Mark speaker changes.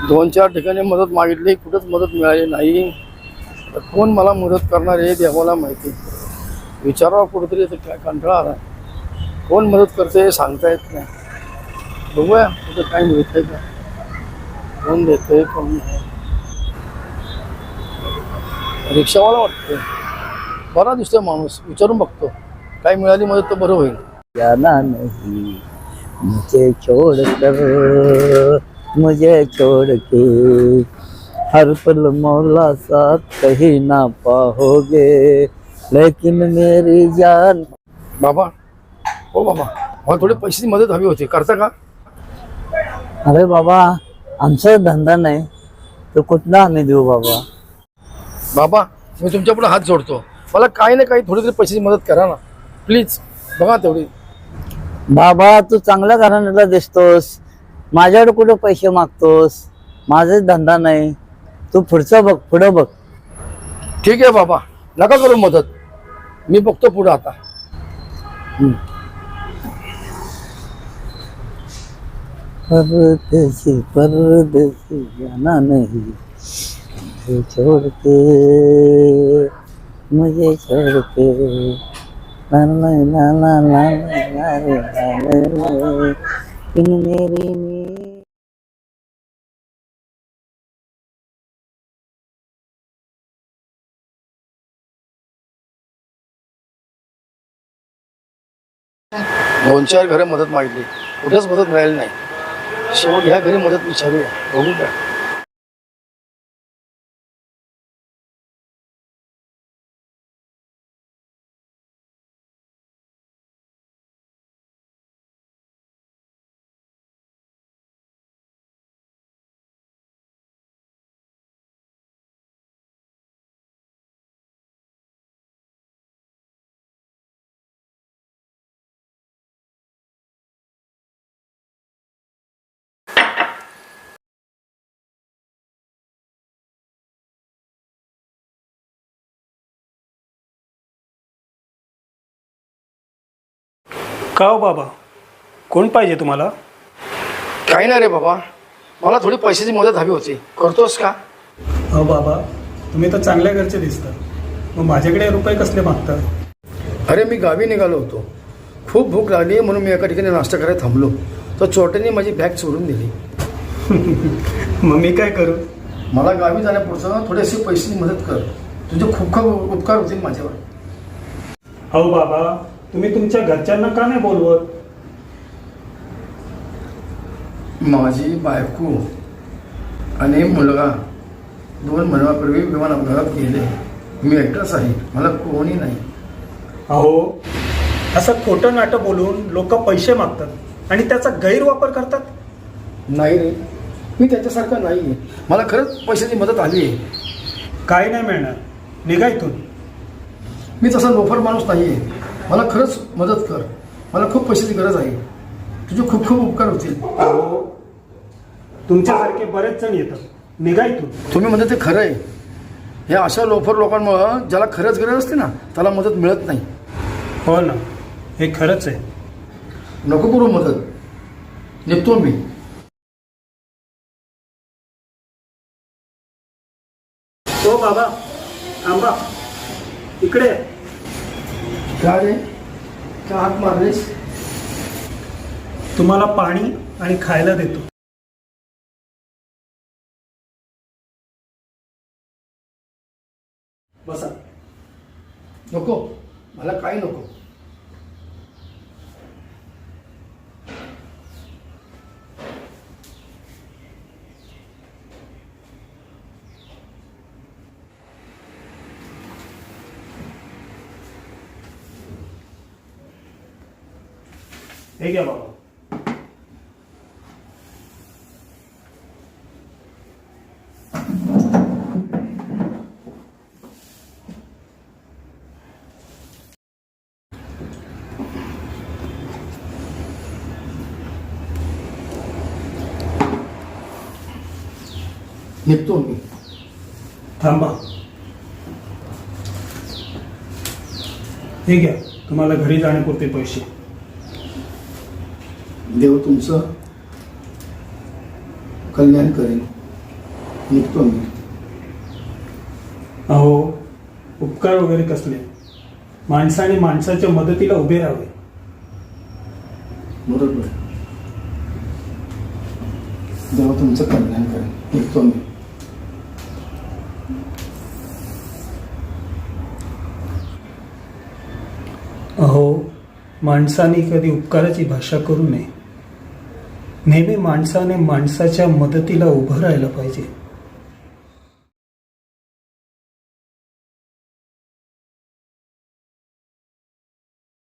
Speaker 1: 2-4 ठिकाणी मदत मागितली, कुठंच मदत मिळाली नाही. तर कोण मला मदत करणार हे देवाला माहिती. विचारावं कुठेतरी, तर काय कंटाळा आला. कोण मदत करते हे सांगता येत नाही. बघूया कुठं काय मिळतंय का, कोण देतंय कोण नाही. रिक्षावाला वाटतोय, बरा दिसतोय माणूस. विचारून बघतो, काय मिळाली मदत तर बरं होईल.
Speaker 2: जाना नहीं मुझे छोड़कर, मुझे छोड़ के हर पल मौला साथ कहीं ना पाओगे, लेकिन मेरी जान.
Speaker 1: बाबा, हो बाबा, मला थोडी पैशाची मदत हवी होती, करता का?
Speaker 2: अरे बाबा, आमचा धंदा नाही तर कुठला आम्ही देऊ बाबा.
Speaker 1: बाबा, मी तुमच्या पुढे हात जोडतो, मला काही ना काही थोडी तरी पैशाची मदत करा ना प्लीज. बघा तेवढी.
Speaker 2: बाबा, तू चांगल्या घराण्याला दिसतोस, माझ्याकडे कुठं पैसे मागतोस? माझाच धंदा नाही, तू पुढचं बघ, पुढं बघ.
Speaker 1: ठीक आहे बाबा, नका करू मदत, मी बघतो पुढं आता.
Speaker 2: परदेसी परदेसी जाना नहीं मुझे छोड़ के, मुझे छोड़ के ला ला ला ला ला ला ला ला इन मेरी में.
Speaker 1: दोन चार घरं मदत मागितली, कुठेच मदत मिळाली नाही. शेवट ह्या घरी मदत विचारूया, बघू का.
Speaker 3: का हो बाबा, कोण पाहिजे तुम्हाला?
Speaker 1: काही नाही रे बाबा, मला थोडी पैशाची मदत हवी होती, करतोस का?
Speaker 3: हो बाबा, तुम्ही तर चांगल्या घरचे दिसता, मग माझ्याकडे रुपये कसले मागता?
Speaker 1: अरे मी गावी निघालो होतो, खूप भूक लागली म्हणून मी एका ठिकाणी नाश्ता करायला थांबलो, तर चोरट्याने माझी बॅग चोरून दिली.
Speaker 3: मग मी काय करू?
Speaker 1: मला गावी जाण्यापुरतं थोडीशी पैशाची मदत कर, तुझे खूप खूप उपकार होतील माझ्यावर.
Speaker 3: हो बाबा, तुम्ही तुमच्या घरच्यांना का नाही बोलवत?
Speaker 1: माझी बायको आणि मुलगा 2 महिन्यापूर्वी विमान अपघातात गेले. मी एकटाच आहे, मला कोणी नाही.
Speaker 3: अहो, असं खोटं नाटं बोलून लोक पैसे मागतात आणि त्याचा गैरवापर करतात.
Speaker 1: नाही रे, मी त्याच्यासारखं नाही आहे, मला खरंच पैशाची मदत आली आहे.
Speaker 3: काय नाही मिळणार, निघा इथून.
Speaker 1: मी तसा लोफर माणूस नाही आहे, मला खरंच मदत कर, मला खूप पैशाची गरज आहे, तुझे खूप खूप उपकार होतील.
Speaker 3: अहो, तुमच्यासारखे बरेच जण येतात, निघा इथून.
Speaker 1: तुम्ही म्हणजे ते खरं आहे. हे अशा लोफर लोकांमुळं ज्याला खरंच गरज असते ना, त्याला मदत मिळत नाही.
Speaker 3: हो ना, हे खरंच आहे.
Speaker 1: नको करू मदत, निघतो मी.
Speaker 3: हो बाबा, थांबा, इकडे.
Speaker 1: का रे, का हात मारलेस?
Speaker 3: तुम्हाला पाणी आणि खायला देतो. बसा.
Speaker 1: नको, मला काही नको.
Speaker 3: हे घ्या बाबा.
Speaker 1: निघतो मी.
Speaker 3: थांबा. हे घ्या, तुम्हाला घरी जाण्यापुरते पैसे.
Speaker 1: देव तुमचं कल्याण करेल. निघतो मी.
Speaker 3: अहो उपकार वगैरे कसले, माणसाने माणसाच्या मदतीला उभे राहावे.
Speaker 1: बरोबर. देवा तुमचं कल्याण करेल. निघतो मी.
Speaker 3: अहो माणसाने कधी उपकाराची भाषा करू नये. नेहमी माणसाने माणसाच्या मदतीला उभं राहायला पाहिजे.